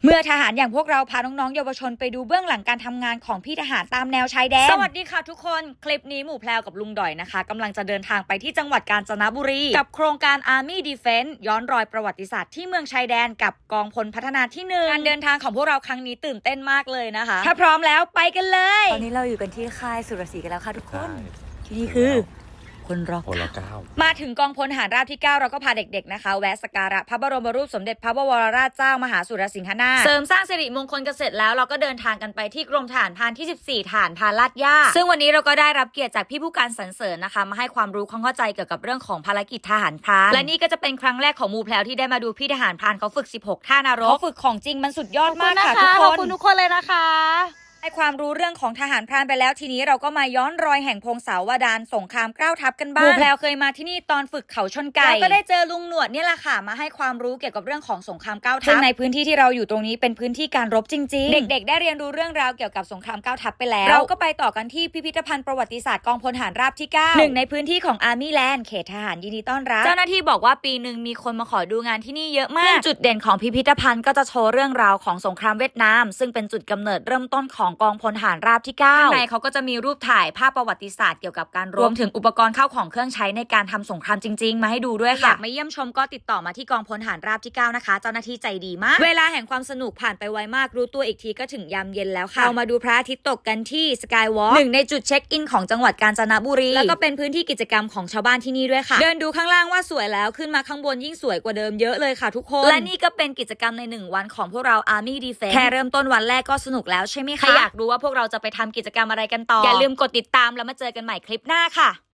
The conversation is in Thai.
เมื่อทหารอย่างพวกเราพาน้องๆเยาวชนไปดูเบื้องหลังการทำงานของพี่ทหารตามแนวชายแดนสวัสดีค่ะทุกคนคลิปนี้หมู่แพรวกับลุงดอยนะคะกำลังจะเดินทางไปที่จังหวัดกาญจนบุรีกับโครงการ Army Defense ย้อนรอยประวัติศาสตร์ที่เมืองชายแดนกับกองพลพัฒนาที่1การเดินทางของพวกเราครั้งนี้ตื่นเต้นมากเลยนะคะถ้าพร้อมแล้วไปกันเลยตอนนี้เราอยู่กันที่ค่ายสุรศรีกันแล้วค่ะทุกคนที่นี่คือพลร.9มาถึงกองพลทหารราบที่ 9เราก็พาเด็กๆนะคะแวะสักการะพระบรมรูปสมเด็จพระบวรราชเจ้ามหาสุรสิงหนาถเสริมสร้างสิริมงคลกันเสร็จแล้วเราก็เดินทางกันไปที่กรมทหารพรานที่14ฐานพานลาดย่าซึ่งวันนี้เราก็ได้รับเกียรติจากพี่ผู้การสรรเสริญนะคะมาให้ความรู้ความเข้าใจเกี่ยวกับเรื่องของภารกิจทหารพรานและนี่ก็จะเป็นครั้งแรกของหมู่แพรวที่ได้มาดูพี่ทหารพรานเขาฝึก16ท่านรกเขาฝึกของจริงมันสุดยอดมากค่ะทุกคนขอบคุณทุกคนเลยนะคะให้ความรู้เรื่องของทหารพรานไปแล้วทีนี้เราก็มาย้อนรอยแห่งพงศาวดารสงคราม9ทัพกันบ้างหมู่แพรวเคยมาที่นี่ตอนฝึกเขาชนไก่แล้วก็ได้เจอลุงหนวดนี่แหละค่ะมาให้ความรู้เกี่ยวกับเรื่องของสงคราม9ทัพซึ่งในพื้นที่ที่เราอยู่ตรงนี้เป็นพื้นที่การรบจริงๆเด็กๆได้เรียนรู้เรื่องราวเกี่ยวกับสงคราม9ทัพไปแล้วเราก็ไปต่อกันที่พิพิธภัณฑ์ประวัติศาสตร์กองพลทหารราบที่9หนึ่งในพื้นที่ของ Army Land เขตทหารยินดีต้อนรับเจ้าหน้าที่บอกว่าปีหนึ่งมีคนมาขอดูงานที่นี่เยอะมากจุดเด่นของพิพิธภัณฑ์ก็จะโชว์เรื่องราวของสงครามเวียดนามซึ่งเป็นจุดกำเนิดเริ่มต้นของกองพลทหารราบที่9ข้างในเขาก็จะมีรูปถ่ายภาพประวัติศาสตร์เกี่ยวกับการรวมถึงอุปกรณ์เข้าของเครื่องใช้ในการทำสงครามจริงๆมาให้ดูด้วยค่ะอยากมาเยี่ยมชมก็ติดต่อมาที่กองพลทหารราบที่9นะคะเจ้าหน้าที่ใจดีมากเวลาแห่งความสนุกผ่านไปไวมากรู้ตัวอีกทีก็ถึงยามเย็นแล้วค่ะเรามาดูพระอาทิตย์ตกกันที่สกายวอล์กหนึ่งในจุดเช็คอินของจังหวัดกาญจนบุรีแล้วก็เป็นพื้นที่กิจกรรมของชาวบ้านที่นี่ด้วยค่ะเดินดูข้างล่างว่าสวยแล้วขึ้นมาข้างบนยิ่งสวยกว่าเดิมเยอะเลยค่ะทุกคนและนี่ก็เป็นกิจกรรมใน1วันของพวกเรา Army Defense แค่เริ่มต้นวันแรกก็สนุกแล้วใช่ไหมคะใครอยากรู้ว่าพวกเราจะไปทำกิจกรรมอะไรกันต่ออย่าลืมกดติดตามแล้วมาเจอกันใหม่คลิปหน้าค่ะ